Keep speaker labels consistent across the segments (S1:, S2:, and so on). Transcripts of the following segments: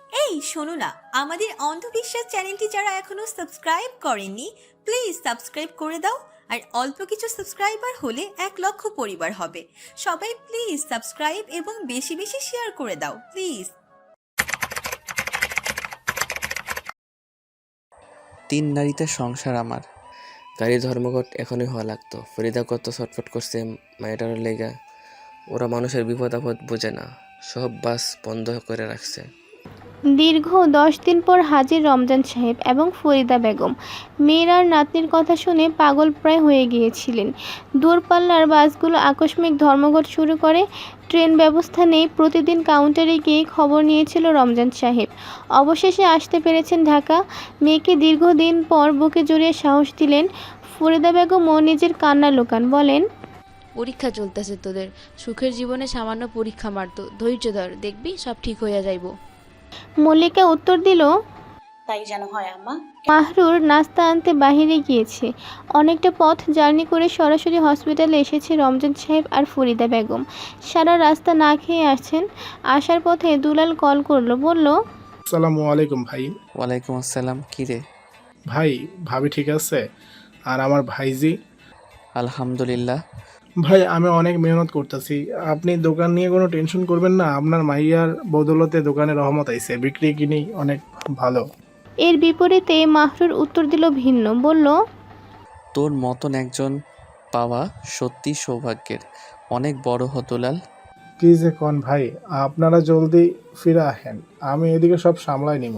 S1: এই শোনো না, আমাদের অন্ধবিশ্বাস চ্যানেলটি যারা এখনো সাবস্ক্রাইব করেননি, প্লিজ সাবস্ক্রাইব করে দাও। আর অল্প কিছু সাবস্ক্রাইবার হলে 1 লক্ষ পরিবার হবে। সবাই প্লিজ সাবস্ক্রাইব এবং বেশি বেশি শেয়ার করে দাও প্লিজ।
S2: 3 নারীতে সংসার আমার। গাড়ি ধর্মঘট এখনই হওয়া লাগতো। ফরিদা কত ছটফট করছে মায়েটার লেগা। ওরা মানুষের বিপদ আপদ বোঝে না, সব বাস বন্ধ করে রাখছে।
S3: দীর্ঘ 10 দিন পর হাজির রমজান সাহেব এবং ফরিদা বেগম। মেয়ের আর নাতনির কথা শুনে পাগল প্রায় হয়ে গিয়েছিলেন। দূরপাল্লার বাসগুলো আকস্মিক ধর্মঘট শুরু করে। ট্রেন ব্যবস্থা নেই। প্রতিদিন কাউন্টারে গিয়ে খবর নিয়েছিল রমজান সাহেব। অবশেষে আসতে পেরেছেন ঢাকা। মেয়েকে দীর্ঘদিন পর বুকে জড়িয়ে সাহস দিলেন। ফরিদা বেগমও নিজের কান্না লুকান, বলেন,
S4: পরীক্ষা চলতেছে তোদের, সুখের জীবনে সামান্য পরীক্ষা মারতো, ধৈর্য ধর, দেখবি সব ঠিক হইয়া যাইব।
S3: মল্লিকা উত্তর দিল,
S5: তাই যেন হয় আম্মা।
S3: মাহরুর নাস্তা আনতে বাহিরে গিয়েছে। অনেকটা পথ জার্নি করে সরাসরি হসপিটালে এসেছে রমজান সাহেব আর ফরিদা বেগম। সারা রাস্তা না খেয়ে আসছেন। আসার পথে দুলাল কল করলো, বলল,
S6: আসসালামু আলাইকুম ভাই।
S2: ওয়ালাইকুম আসসালাম। কী রে?
S6: ভাই, ভাবি ঠিক আছে? আর আমার ভাইজি?
S2: আলহামদুলিল্লাহ।
S6: ভাই, আমি অনেক মেহনত করতেছি। আপনি দোকান নিয়ে কোনো টেনশন করবেন না। আপনার মাইয়ার বদৌলতে দোকানে রহমত আইছে, বিক্রি কিনি অনেক ভালো।
S3: এর বিপরীতে মাহরুর উত্তর দিল ভিন্ন, বলল,
S2: তোর মতন একজন পাওয়া সত্যি সৌভাগ্যের। অনেক বড় হতলাল।
S6: কি যে কন ভাই, আপনারা জলদি ফিরে আসেন, আমি এদিকে সব সামলাই নিব।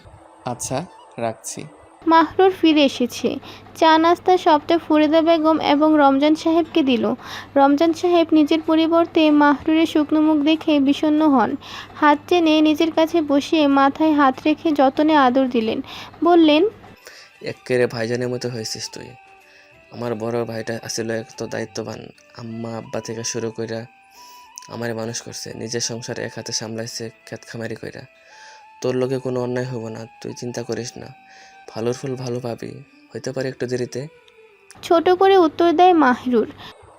S2: আচ্ছা, রাখছি।
S3: মাহরুর ফিরে এসেছে। চা নাস্তা সবটা ফরিদা বেগম এবং রমজান সাহেবকে দিল। রমজান সাহেব নিজের পরিবর্তে মাহরুরের শুকনো মুখ দেখে বিষণ্ণ হন। হাত টেনে নিজের কাছে বসিয়ে মাথায় হাত রেখে যতনে আদর দিলেন, বললেন,
S2: এক্কেরে ভাইজানের মতো হয়েছিস তুই। আমার বড় ভাইটা আসলে এত দায়িত্ববান। আম্মা আব্বা থেকে শুরু কইরা আমারে মানুষ করছে, নিজের সংসার এক হাতে সামলাইছে খেত খামারি কইরা। তোর লোকে কোনো অন্যায় হবো না, তুই চিন্তা করিস না। ভালোর ফুল ভালো পাবি, হইতে পারে একটু দেরিতে।
S3: ছোট করে উত্তর দেয় মাহরুর।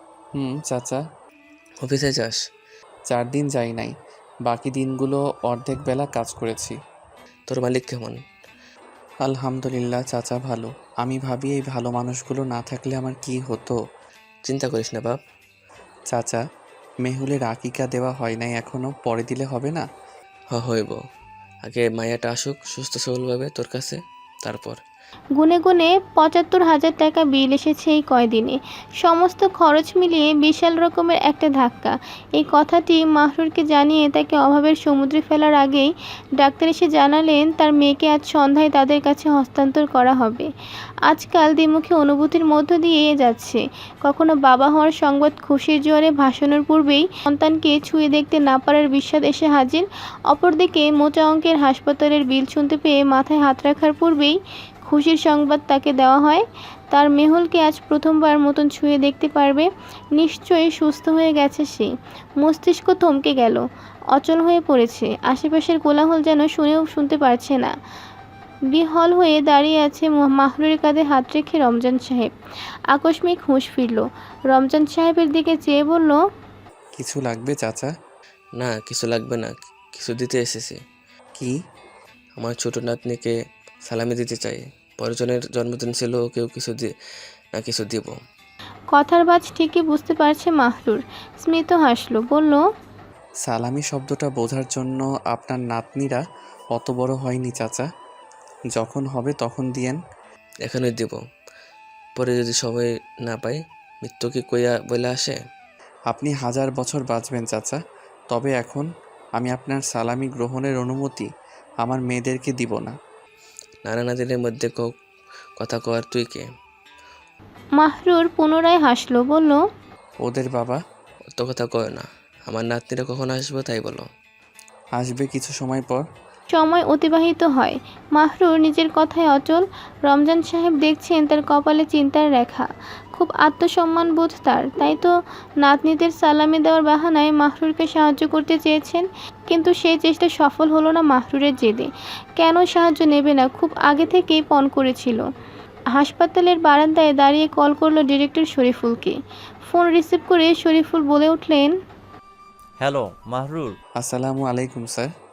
S2: চাচা। অফিসে যাস?
S7: 4 দিন যাই নাই, বাকি দিনগুলো অর্ধেক বেলা কাজ করেছি।
S2: তোর মালিক কেমন?
S7: আলহামদুলিল্লাহ, চাচা ভালো। আমি ভাবি এই ভালো মানুষগুলো না থাকলে আমার কি হতো।
S2: চিন্তা করিস না বাপ।
S7: চাচা, মেহুলের আকিকা দেওয়া হয় নাই এখনো, পরে দিলে হবে না?
S2: হইব। আগে মায়াটা আসুক সুস্থ সবলভাবে তোর কাছে, তারপর।
S3: গুনে গুনে ৭৫,০০০ টাকা বিল এসেছে এই কয়দিনে। সমস্ত খরচ মিলিয়ে বিশাল রকমের একটা ধাক্কা। এই কথাটি মাহরুরকে জানিয়ে তাকে অভাবের সমুদ্রে ফেলার আগেই ডাক্তার এসে জানালেন তার মেয়েকে আজ সন্ধ্যায় তাদের কাছে হস্তান্তর করা হবে। আজকাল দ্বিমুখী অনুভূতির মধ্য দিয়ে যাচ্ছে। কখনো বাবা হওয়ার সংবাদ খুশির জোয়ারে ভাসানোর পূর্বেই সন্তানকে ছুঁয়ে দেখতে না পারার বিষাদ এসে হাজির। অপরদিকে মোটা অঙ্কের হাসপাতালের বিল শুনতে পেয়ে মাথায় হাত রাখার পূর্বেই খুশির সংবাদ তাকে দেওয়া হয়, তার মেহুলকে আজ প্রথমবার মতন ছুঁয়ে দেখতে পারবে। নিশ্চয়ই সুস্থ হয়ে গেছে সে। মস্তিষ্ক থমকে গেল, অচল হয়ে পড়েছে। আশেপাশের কোলাহল যেন শুনেও শুনতে পারছে না। বিহল হয়ে দাঁড়িয়ে আছে মাহরুরের কাঁধে হাত রেখে রমজান সাহেব। আকস্মিক হুঁশ ফিরল। রমজান সাহেবের দিকে চেয়ে বলল,
S7: কিছু লাগবে চাচা?
S2: না, কিছু লাগবে না, কিছু দিতে এসেছি।
S7: কি?
S2: আমার ছোট নাতনিকে সালামি দিতে চাই। পরজনের জন্মদিন ছিল, কেউ কিছু না কিছু দিব।
S3: কথার বাজ ঠিকই বুঝতে পারছে মাহরুর। স্মিত হাসল, বলল,
S7: সালামি শব্দটা বোঝার জন্য আপনার নাতনিরা অত বড় হয়নি চাচা। যখন হবে তখন দিয়েন।
S2: এখনই দিব, পরে যদি সবাই না পাই, মৃত্যু কি কইয়া বলে আসে?
S7: আপনি 1000 বছর বাঁচবেন চাচা, তবে এখন আমি আপনার সালামি গ্রহণের অনুমতি আমার মেয়েদেরকে দিব না।
S2: নানা নাতিনের মধ্যে কথা কওয়ার তুই কে?
S3: মাহরুর পুনরায় হাসল, বলল,
S7: ওদের বাবা।
S2: অত কথা কয় না, আমার নাতনিরা কখন আসবো তাই বলো।
S7: আসবে কিছু সময় পর।
S3: সময় অতিবাহিত হয়। মাহরুর নিজের কথায় অচল। রমজান সাহেব দেখছেন তার কপালে চিন্তার রেখা। খুব আত্মসম্মানবোধ তার, তাই তো নাতনিদের সালামি দেওয়ার বাহানায় মাহরুরকে সাহায্য করতে চেয়েছেন। কিন্তু সেই চেষ্টা সফল হলো না মাহরুরের জেদে। কেন সাহায্য নেবে না, খুব আগে থেকেই পণ করেছিল। হাসপাতালের বারান্দায় দাঁড়িয়ে কল করলো ডিরেক্টর শরীফুলকে। ফোন রিসিভ করে শরীফুল বলে উঠলেন,
S8: হ্যালো মাহরুর।
S7: আসসালামু আলাইকুম স্যার।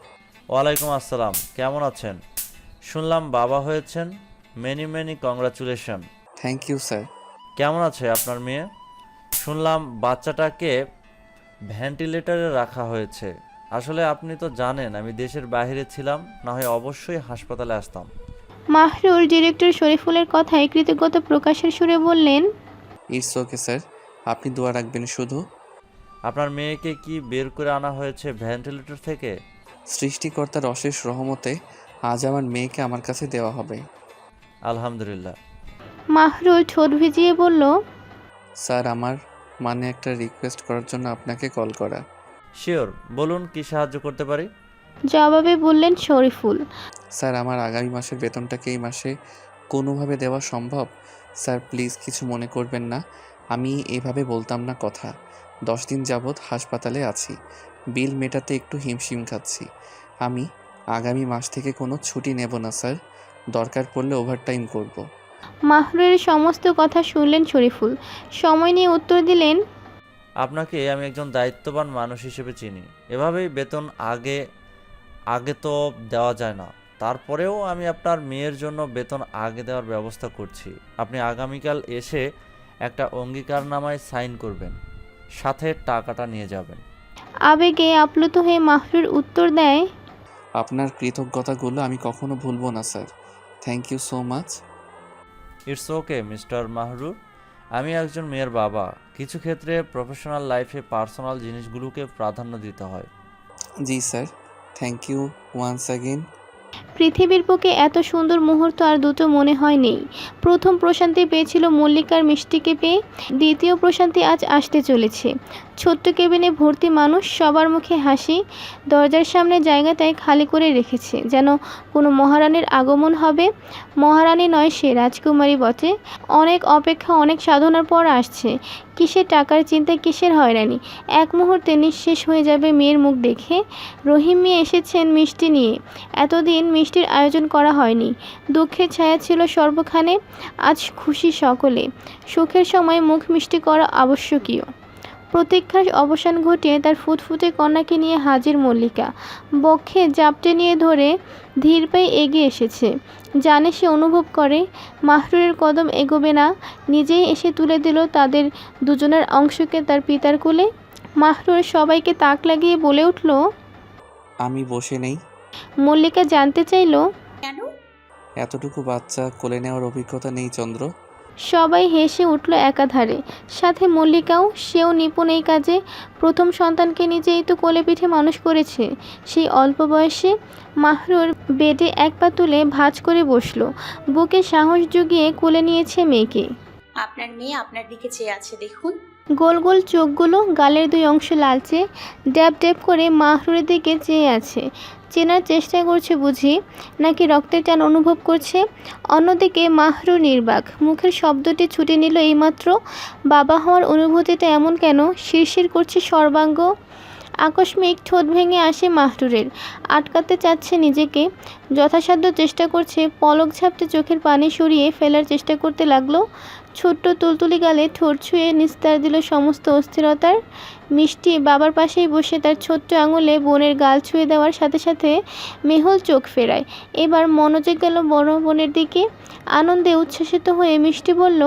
S8: ওয়ালাইকুম আসসালাম, কেমন আছেন? শুনলাম বাবা হয়েছেন, many many congratulation.
S7: Thank you sir.
S8: কেমন আছে আপনার মেয়ে? শুনলাম বাচ্চাটাকে ভেন্টিলেটরে রাখা হয়েছে। আসলে আপনি তো জানেন আমি দেশের বাইরে ছিলাম, না হয় অবশ্যই হাসপাতালে আসতাম।
S3: মাহরুর ডিরেক্টর শরীফুলের কথায় কৃতজ্ঞতা প্রকাশের সুরে বললেন,
S7: ইটস ওকে স্যার, আপনি দোয়া রাখবেন শুধু।
S8: আপনার মেয়েকে কি বের করে আনা হয়েছে ভেন্টিলেটর থেকে?
S7: সৃষ্টিকর্তার অশেষ রহমতে আজ আমার মেয়েকে আমার কাছে দেওয়া হবে।
S8: আলহামদুলিল্লাহ।
S3: মাহরুর ঠোঁট ভিজিয়ে বলল,
S7: স্যার আমার মানে একটা রিকোয়েস্ট করার জন্য আপনাকে কল করা।
S8: শিওর, বলুন কি সাহায্য করতে পারি?
S3: জবাবে বললেন শরীফুল।
S7: স্যার আমার আগামী মাসের বেতনটাকে এই মাসে কোনোভাবে দেওয়া সম্ভব? স্যার প্লিজ কিছু মনে করবেন না, আমি এভাবে বলতাম না কথা। 10 দিন যাবৎ হাসপাতালে আছি, বিল মেটাতে একটু হিমশিম খাচ্ছি। আমি আগামী মাস থেকে কোনো ছুটি নেব না স্যার, দরকার পড়লে ওভারটাইম করব।
S3: মাহরুরের সমস্ত কথা শুনলেন শরীফুল। সময় নিয়ে উত্তর দিলেন,
S8: আপনাকে আমি একজন দায়িত্ববান মানুষ হিসেবে চিনি। এভাবেই বেতন আগে আগে তো দেওয়া যায় না। তারপরেও আমি আপনার মেয়ের জন্য বেতন আগে দেওয়ার ব্যবস্থা করছি। আপনি আগামীকাল এসে একটা অঙ্গীকারনামায় সাইন করবেন, সাথে টাকাটা নিয়ে যাবেন।
S3: আবেগে আপ্লুত হয়ে মাহরুর উত্তর দেয়,
S7: আপনার কৃতজ্ঞতাগুলো আমি কখনো ভুলবো না sir, thank you so much.
S8: It's okay mister Mahrur. আমি একজন মেয়ের বাবা, কিছু ক্ষেত্রে প্রফেশনাল লাইফে পার্সোনাল জিনিসগুলোকে প্রাধান্য দিতে হয়।
S7: জি sir, thank you once again.
S3: পৃথিবীর বুকে এত সুন্দর মুহূর্ত আর দুটো মনে হয় নেই। প্রথম প্রশান্তি পেয়েছিল মল্লিকার মিষ্টিকে পেয়ে, দ্বিতীয় প্রশান্তি আজ আসতে চলেছে। ছোট্ট কেবিনে ভর্তি মানুষ, সবার মুখে হাসি, দরজার সামনে জায়গাটায় খালি করে রেখেছে, যেন কোনো মহারানীর আগমন হবে। মহারানী নয়, সে রাজকুমারী বটে। অনেক অপেক্ষা, অনেক সাধনার পর আসছে। কিসের টাকার চিন্তা, কিসের হয়রানি। এক মুহূর্তে নিঃশেষ হয়ে যাবে মেয়ের মুখ দেখে। রহিম মিয়া এসেছেন মিষ্টি নিয়ে। এতদিন মিষ্টির আয়োজন করা হয়নি, দুঃখের ছায়া ছিল সর্বখানে। আজ খুশি সকলে, সুখের সময় মুখ মিষ্টি করা আবশ্যকীয়। প্রতীক্ষার অবসান ঘটিয়ে তার ফুটফুটে কন্যাকে নিয়ে হাজির মল্লিকা। বক্ষে জাপটে নিয়ে ধরে ধীর পায়ে এগিয়ে এসেছে। জানে, সে অনুভব করে মাহরুরের কদম এগোবে না। নিজেই এসে তুলে দিল তাদের দুজনের অংশকে তার পিতার কোলে। মাহরুর সবাইকে তাক লাগিয়ে বলে উঠল,
S7: আমি বসে নেই।
S3: মল্লিকা জানতে চাইল,
S5: কেন?
S7: এতটুকু বাচ্চা কোলে নেওয়ার অভিজ্ঞতা নেই চন্দ্র।
S3: সবাই হেসে উঠল একাধারে, সাথে মল্লিকাও। সেও নিপুণ এই কাজে। প্রথম সন্তানকে নিজেই তো কোলে পিঠে মানুষ করেছে সেই অল্প বয়সে। মাহরুর বেডে এক পা তুলে ভাঁজ করে বসল, বুকে সাহস জুগিয়ে কোলে নিয়েছে মেয়েকে।
S5: আপনার মেয়ে আপনার দিকে চেয়ে আছে, দেখুন।
S3: গোল গোল চোখগুলো, গালের দুই অংশ লালচে, ড্যাব ড্যাব করে মাহরুরের দিকে চেয়ে আছে। চেনার চেষ্টা করছে বুঝি, নাকি রক্তের টান অনুভব করছে? অন্যদিকে মাহরুর নির্বাক, মুখের শব্দটি ছুটে নিল এইমাত্র। বাবা হওয়ার অনুভূতিটা এমন কেন? শিরশির করছে সর্বাঙ্গ। আকস্মিক ঠোঁট ভেঙে আসে মাহরুরের। আটকাতে চাচ্ছে নিজেকে, যথাসাধ্য চেষ্টা করছে। পলক ঝাপটে চোখের পানি সরিয়ে ফেলার চেষ্টা করতে লাগলো। ছোট্ট তুলতুলি গালে ঠোঁট ছুঁয়ে নিস্তার দিল সমস্ত অস্থিরতার। মিষ্টি বাবার পাশেই বসে তার ছোট্ট আঙুলে বোনের গাল ছুঁয়ে দেওয়ার সাথে সাথে মেহুল চোখ ফেরায়। এবার মনোযোগ গেল বড় বোনের দিকে। আনন্দে উচ্ছ্বসিত হয়ে মিষ্টি বলল,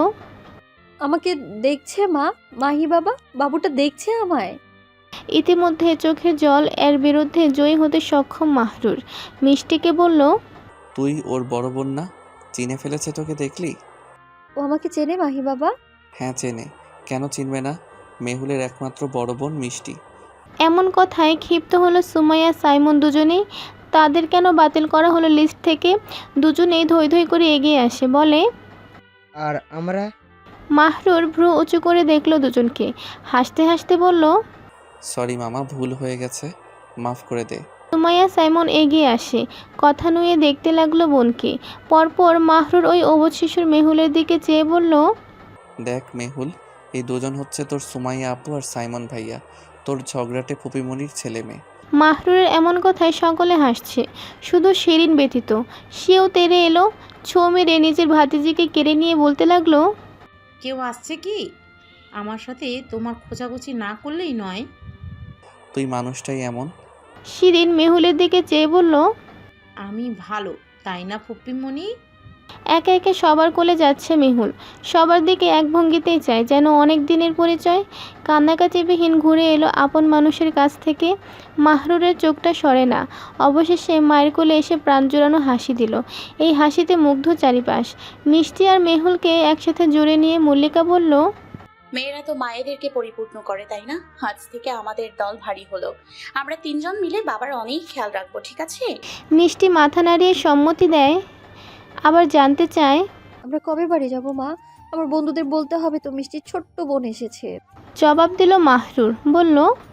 S9: আমাকে দেখছে মা? মাহি বাবা, বাবুটা দেখছে আমায়?
S3: ইতিমধ্যে চোখের জল এর বিরুদ্ধে জয়ী হতে সক্ষম মাহরুর মিষ্টিকে বলল,
S7: তুই ওর বড় বোন না? চিনে ফেলেছে তোকে দেখলি?
S9: ও আমাকে চেনে মাহি বাবা?
S7: হ্যাঁ চেনে, কেন চিনবে না? মেহুলের একমাত্র বড় বোন মিষ্টি।
S3: এমন কথায় ক্ষিপ্ত হলো সুমাইয়া সাইমন দুজনেই। তাদের কেন বাতিল করা হলো লিস্ট থেকে? দুজনেই ধৈ ধৈ করে এগিয়ে আসে, বলে,
S10: আর আমরা?
S3: মাহরুর ভ্রু উঁচু করে দেখলো দুজনকে, হাসতে হাসতে বলল,
S7: সরি মামা, ভুল হয়ে গেছে, মাফ করে দে।
S3: সুমাইয়া সাইমন এগিয়ে আসে, কথা নুয়ে দেখতে লাগলো বোনকে। পরপর মাহরুর ওই অবুঝ শিশুর মেহুলের দিকে চেয়ে বলল,
S7: দেখ মেহুল, এই দুজন হচ্ছে তোর সুমাইয়া আপু আর সাইমন ভাইয়া, তোর ঝগড়াটে ফুপিমনির ছেলে মেয়ে।
S3: মাহরুরের এমন কথায় সকলে হাসছে, শুধু শিরিন ব্যতীত। সেও তেড়ে এলো, ছো মেরে নিজের ভাতিজিকে কেড়ে নিয়ে বলতে লাগলো,
S11: কেউ আসছে কি? আমার সাথে তোমার খোঁজাখুঁজি না করলেই নয়।
S7: তুই মানুষটাই এমন।
S3: শিরিন মেহুলের দিকে চেয়ে বলল,
S11: আমি ভালো তাই না ফুপ্পিমণি?
S3: একে একে সবার কোলে যাচ্ছে মেহুল। সবার দিকে এক ভঙ্গিতেই চায়, যেন অনেক দিনের পরিচয়। কান্নাকাটিবিহীন ঘুরে এলো আপন মানুষের কাছ থেকে। মাহরুরের চোখটা সরে না। অবশেষে মায়ের কোলে এসে প্রাণ জোড়ানো হাসি দিল। এই হাসিতে মুগ্ধ চারিপাশ। মিষ্টি আর মেহুলকে একসাথে জুড়ে নিয়ে মল্লিকা বলল,
S5: মেয়েরা তো মায়েদেরকে পরিপূর্ণ করে, তাই না? আজ থেকে আমাদের দল ভারী হলো। আমরা 3জন মিলে বাবার অনেক খেয়াল রাখবো, ঠিক আছে?
S3: মিষ্টি মাথা নাড়িয়ে সম্মতি দেয়, আবার জানতে চায়,
S9: আমরা কবে বাড়ি যাব মা? আমার বন্ধুদের বলতে হবে তো মিষ্টির ছোট্ট বোন এসেছে।
S3: জবাব দিল মাহরুর। বলল,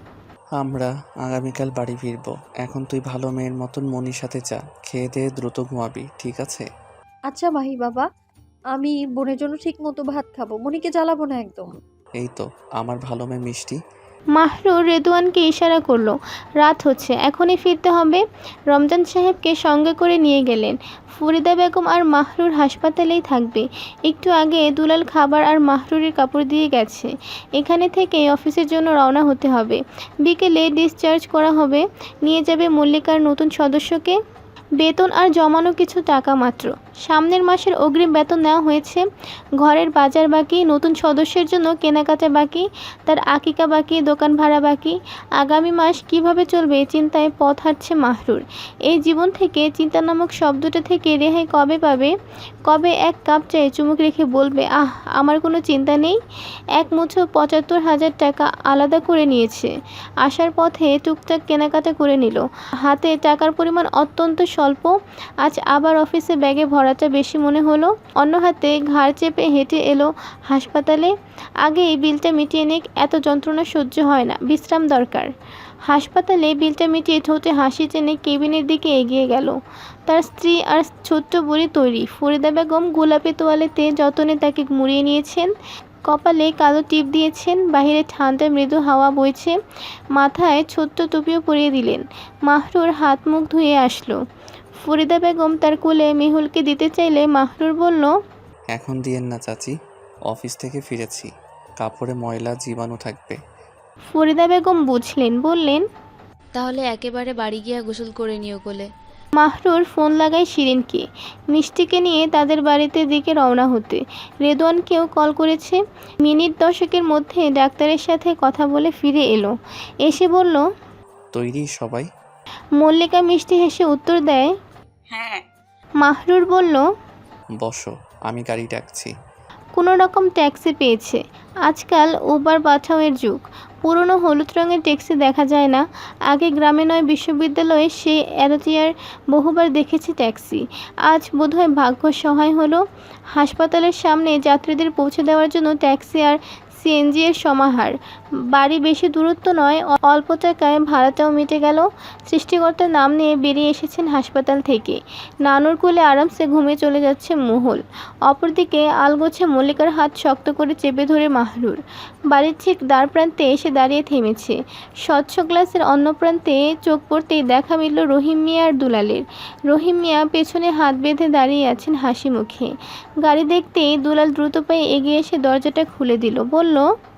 S7: আমরা আগামীকাল বাড়ি ফিরবো। এখন তুই ভালো মেয়ের মতন মনির সাথে যা, খেয়ে দিয়ে দ্রুত ঘুমাবি, ঠিক আছে?
S9: আচ্ছা মাহি বাবা, আমি বোনের জন্য ঠিক মতো ভাত খাবো, মনিকে জ্বালাবো না একদম।
S7: এই তো আমার ভালো মেয়ে মিষ্টি।
S3: মাহরুর রেদওয়ানকে ইশারা করলো, রাত হচ্ছে, এখনই ফিরতে হবে। রমজান সাহেবকে সঙ্গে করে নিয়ে গেলেন। ফরিদা বেগম আর মাহরুর হাসপাতালেই থাকবে। একটু আগে দুলাল খাবার আর মাহরুরের কাপড় দিয়ে গেছে। এখানে থেকে অফিসের জন্য রওনা হতে হবে। বিকেলে ডিসচার্জ করা হবে। নিয়ে যাবে মল্লিকার নতুন সদস্যকে। বেতন আর জমানো কিছু টাকা মাত্র। সামনের মাসের অগ্রিম বেতন নেওয়া হয়েছে। ঘরের বাজার বাকি, নতুন সদস্যের জন্য কেনাকাটা বাকি, তার আকিকা বাকি, দোকান ভাড়া বাকি। আগামী মাস কিভাবে চলবে এই চিন্তায় পথ হাঁটছে মাহরুর। এই জীবন থেকে, চিন্তা নামক শব্দটা থেকে রেহাই কবে পাবে? কবে এক কাপ চায়ে চুমুক রেখে বলবে, আহ, আমার কোনো চিন্তা নেই? এক মুঠো ৭৫,০০০ টাকা আলাদা করে নিয়েছে। আসার পথে টুকটাক কেনাকাটা করে নিল। হাতে টাকার পরিমাণ অত্যন্ত স্বল্প। আজ আবার অফিসে ব্যাগে ভরাটা বেশি মনে হলো। অন্য হাতে ঘাড় চেপে হেঁটে এলো হাসপাতালে। আগে এই বিলটা মিটিয়ে নিক, এত যন্ত্রণা সহ্য হয় না, বিশ্রাম দরকার। হাসপাতালে বিলটা মিটিয়ে ঠোঁটে হাসি টেনে কেবিনের দিকে এগিয়ে গেল। তার স্ত্রী আর ছোট্ট বুড়ি তৈরি। ফরিদা বেগম গোলাপি তোয়ালেতে যতনে তাকে মুড়িয়ে নিয়েছেন। কপালে কালো টিপ দিয়েছেন। বাহিরে ঠান্ডা মৃদু হাওয়া বইছে। মাথায় ছোট্ট টুপিও পরিয়ে দিলেন। মাহরুর হাত মুখ ধুয়ে আসলো। ফরিদা বেগম তার কোলে মেহুলকে দিতে চাইলে মাহরুর বলল,
S7: এখন দিয়েন না চাচি, অফিস থেকে ফিরেছি, কাপড়ে ময়লা জীবাণু থাকবে।
S3: ফরিদা বেগম বুঝলেন, বললেন,
S4: তাহলে একেবারে বাড়ি গিয়া গোসল করে নিও কোলে।
S3: মাহরুর ফোন লাগায় শিরিনকে। মিষ্টিকে নিয়ে তাদের বাড়িতে দিকে রওনা হতে। রেদওয়ানকেও কল করেছে। মিনিট 10-এর মধ্যে ডাক্তারের সাথে কথা বলে ফিরে এলো। এসে বলল,
S7: তৈরি সবাই?
S3: মল্লিকা মিষ্টি হেসে উত্তর দেয়।
S5: হ্যাঁ।
S3: মাহরুর বলল,
S7: বসো, আমি গাড়ি ডাকছি।
S3: কোনো রকম ট্যাক্সি পেয়েছে। আজকাল উবার পাঠাওয়ের যুগ। পুরনো হলুদ রঙের ট্যাক্সি দেখা যায় না। আগে গ্রামে নয় বিশ্ববিদ্যালয়ে সে এরোটিয়ার বহুবার দেখেছি ট্যাক্সি। আজ বোধহয় ভাগ্য সহায় হলো। হাসপাতালের সামনে যাত্রীদের পৌঁছে দেওয়ার জন্য ট্যাক্সি আর সিএনজি এর সমাহার। বাড়ি বেশি দূরত্ব নয়, অল্প টাকায় ভাড়াটাও মিটে গেল। সৃষ্টিকর্তার নাম নিয়ে বেরিয়ে এসেছেন হাসপাতাল থেকে। নানুর কোলে আরামসে ঘুমিয়ে চলে যাচ্ছে মহল। অপরদিকে আলগোছে মল্লিকার হাত শক্ত করে চেপে ধরে মাহরুর। বাড়ির ঠিক দ্বার প্রান্তে এসে দাঁড়িয়ে থেমেছে। স্বচ্ছ গ্লাসের অন্য প্রান্তে চোখ পড়তেই দেখা মিলল রহিম মিয়া আর দুলালের। রহিম মিয়া পেছনে হাত বেঁধে দাঁড়িয়ে আছেন হাসি মুখে। গাড়ি দেখতেই দুলাল দ্রুত পায়ে এগিয়ে এসে দরজাটা খুলে দিল। বলল,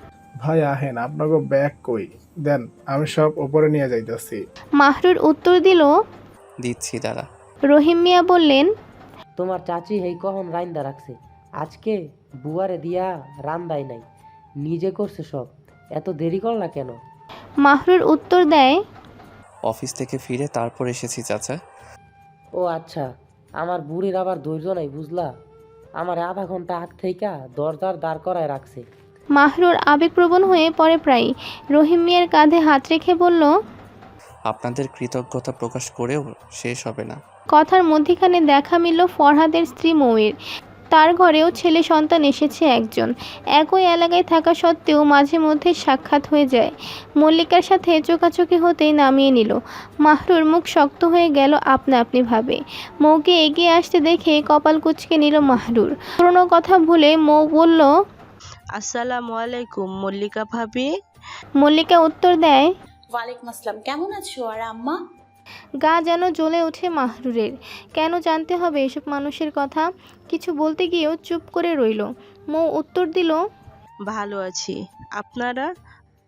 S6: ভাই আহেন, আপনাকে ব্যাগ কই দেন, আমি সব উপরে নিয়ে যাইতেছি।
S3: মাহরুর উত্তর দিল,
S7: দিচ্ছি দাঁড়া।
S3: রহিম মিয়া বললেন,
S10: তোমার চাচি হেই কখন রাইন্দা রাখছে, আজকে বুয়ারে দিয়া রান্দাই নাই, নিজে করছে সব, এত দেরি করলা কেন?
S3: মাহরুর উত্তর দেয়,
S7: অফিস থেকে ফিরে তারপর এসেছি চাচা।
S10: ও আচ্ছা, আমার বুড়ির আবার ধৈর্য নাই বুঝলা, আমার আধা ঘন্টা আগ থেইকা দরজার দাঁড় করায় রাখছে।
S3: মাহরুর আবেগপ্রবণ হয়ে পড়ে প্রায়। রহিম মিয়ার কাঁধে হাত রেখে বলল,
S7: আপনাদের কৃতজ্ঞতা প্রকাশ করেও শেষ হবে না।
S3: কথার মধ্যিখানে দেখা মিলল ফরহাদের স্ত্রী মৌয়ের। তার ঘরেও ছেলে সন্তান এসেছে একজন। একই এলাকায় থাকা সত্ত্বেও মাঝে মধ্যে সাক্ষাৎ হয়ে যায়। মল্লিকার সাথে চোখাচোখি হতেই নামিয়ে নিল। মাহরুর মুখ শক্ত হয়ে গেল আপনা আপনি ভাবে। মৌকে এগিয়ে আসতে দেখে কপাল কুঁচকে নিল মাহরুর। পুরনো কথা ভুলে মৌ বলল,
S12: আসসালামু আলাইকুম মল্লিকা ভাবি।
S3: মল্লিকা উত্তর দেয়,
S5: ওয়ালাইকুম আসসালাম, কেমন আছো? আর আম্মা?
S3: গা যেন জ্বলে ওঠে মাহরুরের। কেন জানতে হবে এসব মানুষের কথা? কিছু বলতে গিয়েও চুপ করে রইল। মৌ উত্তর দিল,
S12: ভালো আছি, আপনারা?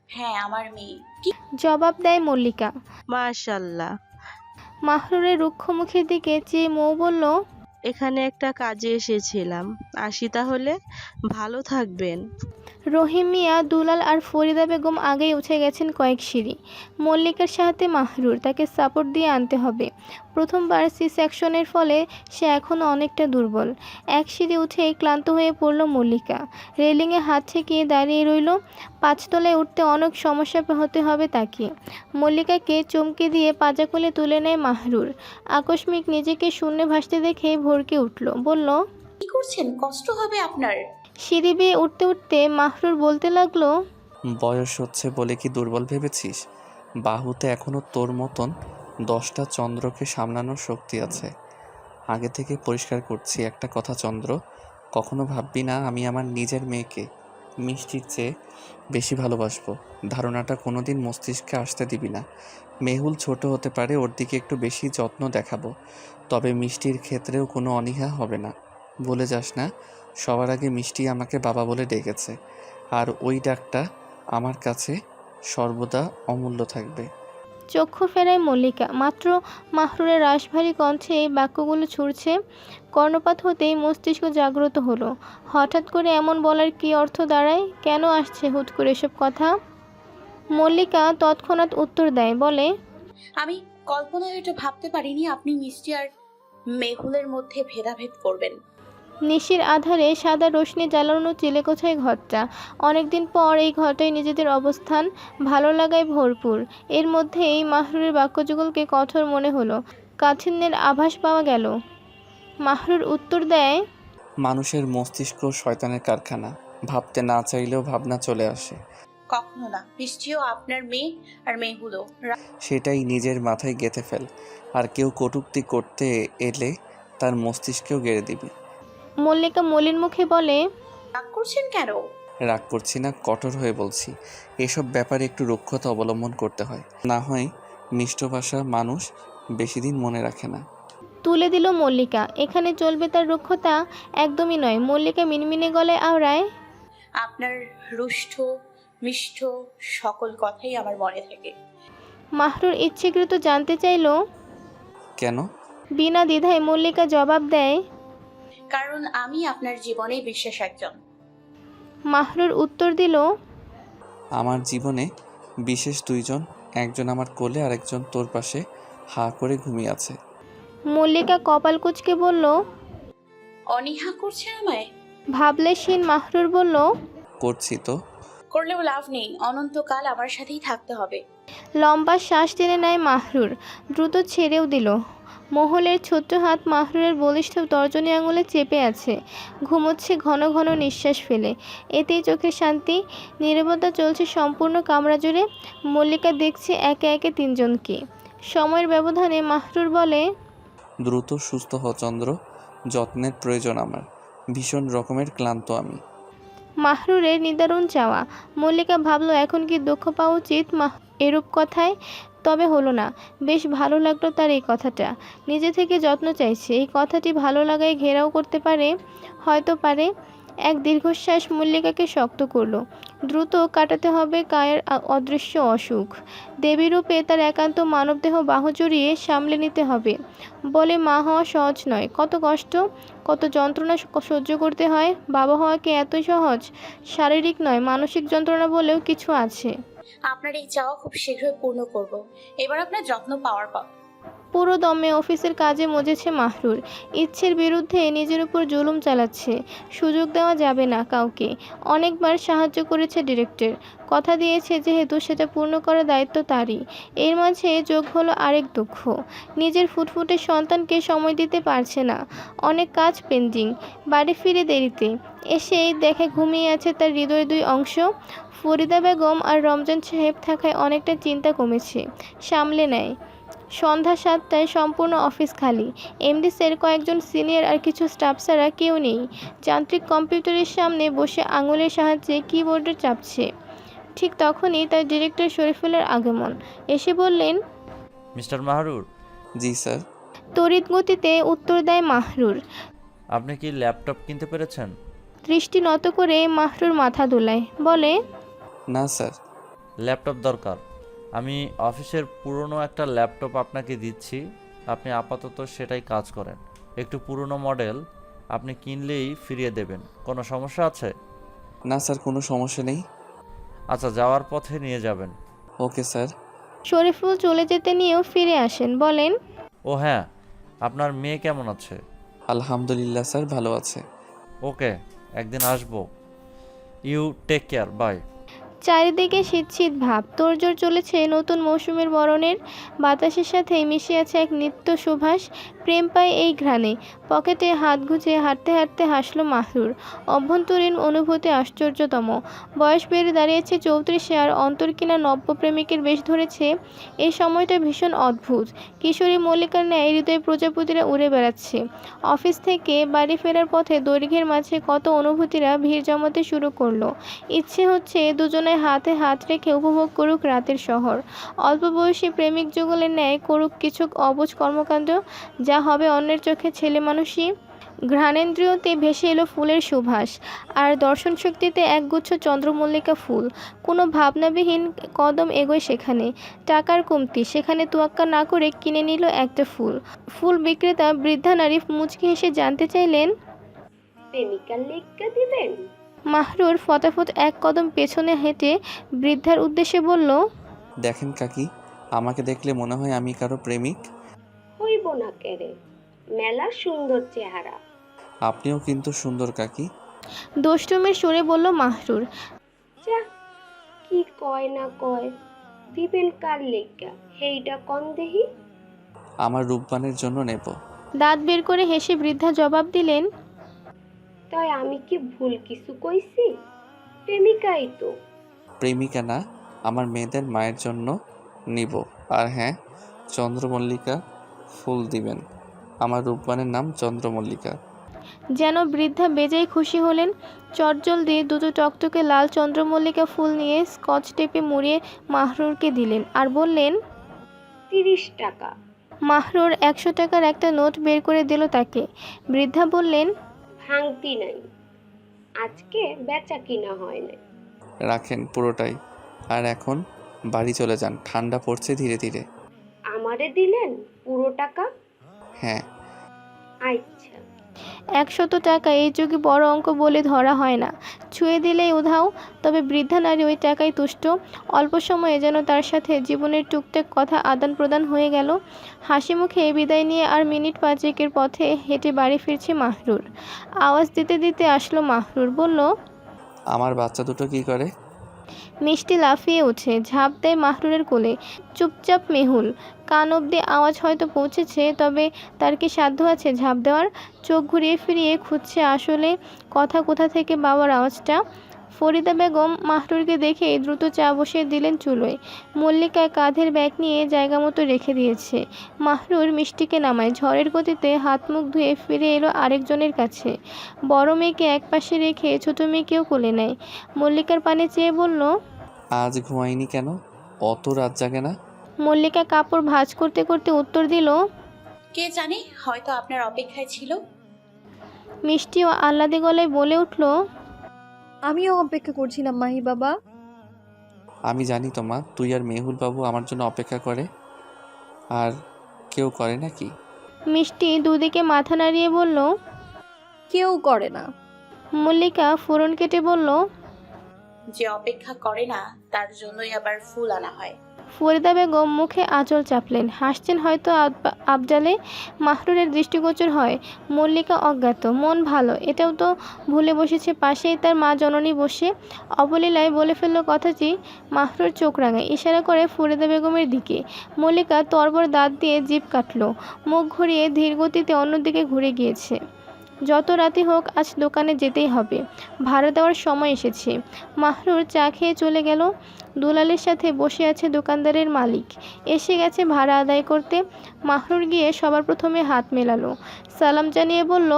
S5: হ্যাঁ, আমার মেয়ে। কি?
S3: জবাব দেয় মল্লিকা।
S12: মাশাল্লাহ।
S3: মাহরুরের রুক্ষ মুখের দিকে চেয়ে মৌ বলল,
S12: এখানে একটা কাজে এসেছিলাম, আসি তাহলে। ভালো থাকবেন।
S3: রহিম মিয়া, দুলাল আর ফরিদা বেগম আগেই উঠে গেছেন কয়েক সিঁড়ি। মল্লিকার সাথে মাহরুর, তাকে সাপোর্ট দিয়ে আনতে হবে। প্রথমবার সি সেকশনের ফলে সে এখনও অনেকটা দুর্বল। এক সিঁড়ি উঠেই ক্লান্ত হয়ে পড়ল মল্লিকা। রেলিংয়ে হাত ঠেকিয়ে দাঁড়িয়ে রইল। পাঁচতলায় উঠতে অনেক সমস্যা হতে হবে তাকে। মল্লিকাকে চমকে দিয়ে পাজা কোলে তুলে নেয় মাহরুর। আকস্মিক নিজেকে শূন্যে ভাসতে দেখে ভরকে উঠল, বলল,
S5: কি করছেন? কষ্ট হবে আপনার।
S3: সিঁড়ি বেয়ে উঠতে উঠতে মাহরুর বলতে লাগলো,
S7: বয়স হচ্ছে বলে কি দুর্বল ভেবেছিস? বাহুতে এখনো তোর মতন 10টা চন্দ্রকে সামলানোর শক্তি আছে। আগে থেকে পরিষ্কার করছি একটা কথা চন্দ্র, কখনো ভাববি না আমি আমার নিজের মেয়েকে মিষ্টির চেয়ে বেশি ভালোবাসবো। ধারণাটা কোনোদিন মস্তিষ্কে আসতে দিবি না। মেহুল ছোট হতে পারে, ওর দিকে একটু বেশি যত্ন দেখাবো, তবে মিষ্টির ক্ষেত্রেও কোনো অনীহা হবে না। বলে যাস না, সবার আগে মিষ্টি আমাকে বাবা বলে ডেকেছে, আর ওই ডাকটা আমার কাছে সর্বদা অমূল্য থাকবে।
S3: চক্ষু ফেরায় মল্লিকা। মাত্র মাহরুরের রাশভারী কণ্ঠে এই বাক্যগুলো ছুড়ছে। কর্ণপাত হতেই মস্তিষ্ক জাগ্রত হলো। হঠাৎ করে এমন বলার কী অর্থ দাঁড়ায়? কেন আসছে হুট করে এসব কথা? মল্লিকা তৎক্ষণাৎ উত্তর দেয়, বলে,
S5: আমি কল্পনায় এটা ভাবতে পারিনি আপনি মিষ্টি আর মেহুলের মধ্যে ভেদাভেদ করবেন।
S3: নিশির আধারে সাদা রোশনি জ্বালানো চিলেকোঠায় ঘরটা। অনেকদিন পর এই ঘরটায় নিজেদের অবস্থান, ভালো লাগায় ভরপুর। এর মধ্যে এই মাহরুরের বাক্যযুগলকে কঠোর মনে হলো। কাঠিন্যের আভাস পাওয়া গেল। মাহরুর উত্তর দেয়,
S7: মানুষের মস্তিষ্ক শয়তানের কারখানা, ভাবতে না চাইলেও ভাবনা চলে আসে।
S5: কখনো না। মিষ্টিও আপনার মেয়ে আর মেহুলও।
S7: সেটাই নিজের মাথায় গেঁথে ফেল, আর কেউ কটূক্তি করতে এলে তার মস্তিষ্কেও গেড়ে দিবি।
S3: মল্লিকা মলিন মুখে বলে,
S5: রাগ করছেন কেন?
S7: রাগ করছি না, কঠোর হয়ে বলছি। এসব ব্যাপারে একটু রুক্ষতা অবলম্বন করতে হয়, না হয় মিষ্ট ভাষা মানুষ বেশি দিন মনে রাখে না।
S3: তুলে দিল মল্লিকা। এখানে চলবে তার রুক্ষতা? একদমই নয়। মল্লিকা মিনমিনে গলায় আওড়ায়,
S5: আপনার রুষ্ট মিষ্ট সকল কথাই আমার মনে থাকে।
S3: মাহরুর ইচ্ছেকৃত জানতে চাইল,
S7: কেন?
S3: বিনা দ্বিধায় মল্লিকা জবাব দেয়,
S5: কারণ আমি আপনার জীবনে বিশেষ একজন।
S3: মাহরুর উত্তর দিল,
S7: আমার জীবনে বিশেষ দুইজন, একজন আমার কোলে আর একজন তোর পাশে হা করে ঘুমিয়ে আছে।
S3: মল্লিকা কপাল কুঁচকে বলল,
S5: অনীহা করছেন আমায়?
S3: ভাবলেশীন মাহরুর বলল,
S7: করছি তো।
S5: করলেও লাভ নেই, অনন্তকাল আমার সাথেই থাকতে হবে।
S3: লম্বা শ্বাস টেনে নেয় মাহরুর, দ্রুত ছেড়েও দিল। মহলের ছোট্ট হাত মাহরুরের বলিষ্ঠ তর্জনী আঙুলে চেপে আছে। ঘুমোচ্ছে ঘন ঘন নিঃশ্বাস ফেলে। এতেই চোখের শান্তি। নীরবতা চলছে সম্পূর্ণ কামরা জুড়ে। মল্লিকা দেখছে একে একে তিনজনকে। সময়ের ব্যবধানে মাহরুর বলে,
S7: দ্রুত সুস্থ হ চন্দ্র, যত্নের প্রয়োজন আমার, ভীষণ রকমের ক্লান্ত আমি।
S3: মাহরুরের নিদারুণ চাওয়া। মল্লিকা ভাবলো এখন কি দুঃখ পাওয়া উচিত এরূপ কথায়? তবে হলো না। বেশ ভালো লাগলো তার এই কথাটা। নিজে থেকে যত্ন চাইছে, এই কথাটি ভালো লাগায় ঘেরাও করতে পারে, হয়তো পারে। এক দীর্ঘশ্বাস মল্লিকাকে শক্ত করলো। দ্রুত কাটাতে হবে কায়ের অদৃশ্য অসুখ। দেবীরূপে তার একান্ত মানবদেহ বাহু জড়িয়ে সামলে নিতে হবে। বলে মা হওয়া সহজ নয়, কত কষ্ট, কত যন্ত্রণা সহ্য করতে হয়। বাবা হওয়া কি এতই সহজ? শারীরিক নয়, মানসিক যন্ত্রণা বলেও কিছু আছে।
S5: আপনার এই চাওয়া খুব শীঘ্রই পূর্ণ করব। এবার আপনার যত্ন পাওয়ার পর।
S3: পুরো দমে অফিসের কাজে মজেছে মাহরুর। ইচ্ছের বিরুদ্ধে নিজের উপর জুলুম চালাচ্ছে। সুযোগ দেওয়া যাবে না কাউকে। অনেকবার সাহায্য করেছে ডিরেক্টর, কথা দিয়েছে যেহেতু সেটা পূর্ণ করার দায়িত্ব তারই। এর মাঝে যোগ হলো আরেক দুঃখ, নিজের ফুটফুটে সন্তানকে সময় দিতে পারছে না। অনেক কাজ পেন্ডিং। বাড়ি ফিরে দেরিতে এসেই দেখে ঘুমিয়ে আছে তার হৃদয়ের দুই অংশ। ফরিদা বেগম আর রমজান সাহেব থাকায় অনেকটা চিন্তা কমেছে, সামলে নেয়। সন্ধ্যা 7টায় সম্পূর্ণ অফিস খালি। এমডি স্যার, কয়েকজন সিনিয়র আর কিছু স্টাফ ছাড়া কেউ নেই। যান্ত্রিক কম্পিউটারের সামনে বসে আঙুলের সাহায্যে কিবোর্ডে চাপছে। ঠিক তখনই তার ডিরেক্টর শরীফুলের আগমন। এসে বললেন,
S8: মিস্টার মাহরুর।
S7: জি স্যার।
S3: তড়িৎ গতিতে উত্তর দেয় মাহরুর।
S8: আপনি কি ল্যাপটপ কিনতে পেরেছেন?
S3: দৃষ্টি নত করে মাহরুর মাথা দোলায়, বলে,
S7: না স্যার।
S8: ল্যাপটপ দরকার। আমি অফিসের পুরনো একটা ল্যাপটপ আপনাকে দিচ্ছি, আপনি আপাতত সেটাই কাজ করেন। একটু পুরনো মডেল, আপনি কিনলেই ফিরিয়ে দেবেন। কোনো সমস্যা আছে?
S7: না স্যার, কোনো সমস্যা নেই।
S8: আচ্ছা, যাওয়ার পথে নিয়ে যাবেন।
S7: Okay sir.
S3: শরীফুল চলে যেতে নিয়েও ফিরে আসেন, বলেন,
S8: ও হ্যাঁ, আপনার মেয়ে কেমন আছে?
S7: আলহামদুলিল্লাহ স্যার, ভালো আছে।
S8: ওকে, একদিন আসবো। You take care, bye.
S3: চারিদিকে শীত শীত ভাব, তোড়জোড় চলেছে নতুন মৌসুমের বরণের। বাতাসের সাথে মিশে আছে এক নিত্য সুবাস। প্রেম পায় এই ঘ্রাণে। পকেটে হাত গুজে হাঁটতে হাঁটতে হাসলো মাহরুর। অভ্যন্তরীণ অনুভূতি আশ্চর্যতম। বয়স বেড়ে দাঁড়িয়েছে 34-এ, আর অন্তর কিনা নব্য প্রেমিকের বেশ ধরেছে। এই সময়টা ভীষণ অদ্ভুত। কিশোরী মল্লিকার ন্যায় হৃদয় প্রজাপতিরা উড়ে বেড়াচ্ছে। অফিস থেকে বাড়ি ফেরার পথে দৈর্ঘ্যের মাঝে কত অনুভূতিরা ভিড় জমাতে শুরু করলো। ইচ্ছে হচ্ছে দুজনে হাতে হাত রেখে উপভোগ করুক রাতের শহর। অল্প বয়সী প্রেমিক যুগলের ন্যায় করুক কিছু অবুঝ কর্মকাণ্ড, যা হবে অন্যের চোখে ছেলে মানুষই। ঘ্রাণেন্দ্রিয়তে ভেসে এলো ফুলের সুবাস, আর দর্শন শক্তিতে একগুচ্ছ চন্দ্রমল্লিকা ফুল। কোনো ভাবনাবিহীন কদম এগোয় সেখানে। টাকার কমতি, সেখানে তোয়াক্কা না করে কিনে নিল একটা ফুল। ফুল বিক্রেতা বৃদ্ধা নারী মুচকি হেসে জানতে চাইলেন,
S13: প্রেমিকার লেখা দিবেন?
S3: মাহরুর ফটাফট এক কদম পেছনে হেঁটে বৃদ্ধার উদ্দেশ্যে বলল,
S7: দেখেন কাকি, আমাকে দেখলে মনে হয় আমি কারো প্রেমিক।
S13: হইব না কেরে, মেলা সুন্দর চেহারা।
S7: আপনিও কিন্তু সুন্দর কাকি।
S3: দুষ্টুমির সুরে বলল মাহরুর।
S13: যা, কি কয় না কয়, দিবেন কার লেখা হেইটা কন দেহি।
S7: আমার রূপবানের জন্য নেব।
S3: দাঁত বের করে হেসে বৃদ্ধা জবাব দিলেন,
S13: তাই আমি কি ভুল কিছু কইছি? প্রেমিকাই তো।
S7: প্রেমিকা না, আমার মেয়েদের মায়ের জন্য নিব। আর হ্যাঁ, চন্দ্রমল্লিকা ফুল দিবেন। আমার রূপবানের নাম চন্দ্রমল্লিকা।
S3: যেন বৃদ্ধা বেজায় খুশি হলেন। চটজলদি দুটো টকটকে লাল চন্দ্রমল্লিকা ফুল নিয়ে স্কচ টেপে মুড়িয়ে মাহরুরকে দিলেন, আর বললেন,
S13: 30 টাকা।
S3: মাহরুর 100 টাকার একটা নোট বের করে দিল তাকে। বৃদ্ধা বললেন,
S13: ভাঙতি নাই, আজকে বেচা কিনা হয় না।
S7: রাখেন পুরোটাই। আর এখন বাড়ি চলে যান, ঠান্ডা পড়ছে ধীরে ধীরে।
S13: আমারে দিলেন পুরো টাকা?
S7: হ্যাঁ।
S13: আচ্ছা।
S3: 100 টাকা এই যুগে বড় অঙ্ক বলে ধরা হয় না, ছুঁয়ে দিলেই উধাও। তবে বৃদ্ধা নারী ওই টাকায় তুষ্ট। অল্প সময়ে যেন তার সাথে জীবনের টুকটাক কথা আদান প্রদান হয়ে গেল। হাসি মুখে বিদায় নিয়ে আর মিনিট 5-এর পথে হেঁটে বাড়ি ফিরছে মাহরুর। আওয়াজ দিতে দিতে আসলো মাহরুর, বলল,
S7: আমার বাচ্চা দুটো কি করে?
S3: মিষ্টি লাফিয়ে উঠে ঝাঁপ দেয় মাহরুরের কোলে। চুপচাপ মেহুল। কান অবধি আওয়াজ হয়তো পৌঁছেছে, তবে তার কি সাধ্য আছে ঝাঁপ দেওয়ার? চোখ ঘুরিয়ে ফিরিয়ে খুঁজছে আসলে কোথা থেকে বাবার আওয়াজটা। ফরিদা বেগম মাহরুরকে দেখে দ্রুত চা বসিয়ে দিলেন চুলোয়। মল্লিকা কাঁধের ব্যাগ নিয়ে জায়গা মতো রেখে দিয়েছে। মাহরুর মিষ্টিকে নামায়। ঝড়ের গতিতে হাত মুখ ধুয়ে ফিরে এলো আরেকজনের কাছে। বড় মেয়েকে একপাশে রেখে ছোট মেয়েকেও কোলে নেয়। মল্লিকার পানে চেয়ে বলল,
S7: আজ ঘুমাইনি কেন? অত রাত জাগে না?
S3: মল্লিকা কাপড় ভাঁজ করতে করতে উত্তর দিল,
S5: কে জানে, হয়তো আপনার অপেক্ষায় ছিল।
S3: মিষ্টি ও আহ্লাদে গলায় বলে উঠল,
S9: আমিও অপেক্ষা করছিলাম মাহি বাবা।
S7: আমি জানি তো মা, তুই আর মেহুল বাবু আমার জন্য অপেক্ষা করে। আর কেউ করে নাকি?
S3: মিষ্টি দুদিকে মাথা নাড়িয়ে বলল,
S9: কেউ করে না।
S3: মল্লিকা ফোড়ন কেটে বলল,
S5: যে অপেক্ষা করে না তার জন্যই আবার ফুল আনা হয়।
S3: ফরিদা বেগম মুখে আঁচল চাপলেন, হাসছেন হয়তো আবজালে। মাহরুরের দৃষ্টিগোচর হয় মল্লিকা অজ্ঞাত, মন ভালো, এটাও তো ভুলে বসেছে পাশেই তার মা জননী বসে। অবলীলায় বলে ফেলল কথাটি। মাহরুর চোখ রাঙায়, ইশারা করে ফরিদা বেগমের দিকে। মল্লিকা তরবর দাঁত দিয়ে জিভ কাটল, মুখ ঘুরিয়ে ধীর গতিতে অন্যদিকে ঘুরে গিয়েছে। যত রাতে হোক আজ দোকানে যেতেই হবে, ভাড়া দেওয়ার সময় এসেছে। মাহরুর চা খেয়ে চলে গেল। দুলালের সাথে বসে আছে দোকানদারের মালিক, এসে গেছে ভাড়া আদায় করতে। মাহরুর গিয়ে সবার প্রথমে হাত মেলালো, সালাম জানিয়ে বলল,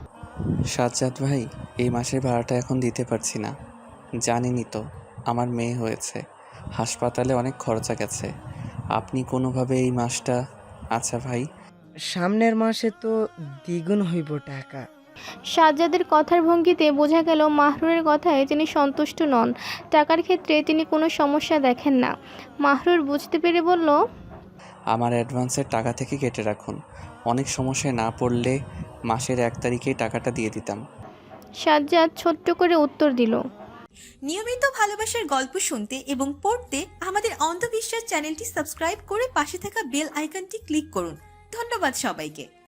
S7: সাজ্জাদ ভাই, এই মাসের ভাড়াটা এখন দিতে পারছি না। জানেনই তো আমার মেয়ে হয়েছে, হাসপাতালে অনেক খরচা গেছে। আপনি কোনোভাবে এই মাসটা। আচ্ছা ভাই,
S14: সামনের মাসে তো দ্বিগুণ হইব টাকা।
S3: সাজ্জাদের কথার ভঙ্গিতে বোঝা গেল মাহরুরের কথায় তিনি সন্তুষ্ট নন। টাকার ক্ষেত্রে তিনি কোনো সমস্যা দেখেন না। মাহরুর বুঝতে পেরে বলল,
S7: আমার অ্যাডভান্সের টাকা থেকে কেটে রাখুন, অনেক সমস্যায় না পড়লে মাসের 1 তারিখেই টাকাটা দিয়ে দিতাম।
S3: সাজ্জাদ ছোট্ট করে উত্তর দিল,
S1: নিয়মিত ভালোবাসার গল্প শুনতে এবং পড়তে আমাদের অন্ধবিশ্বাস চ্যানেলটি সাবস্ক্রাইব করে পাশে থাকা বেল আইকনটি ক্লিক করুন। ধন্যবাদ সবাইকে।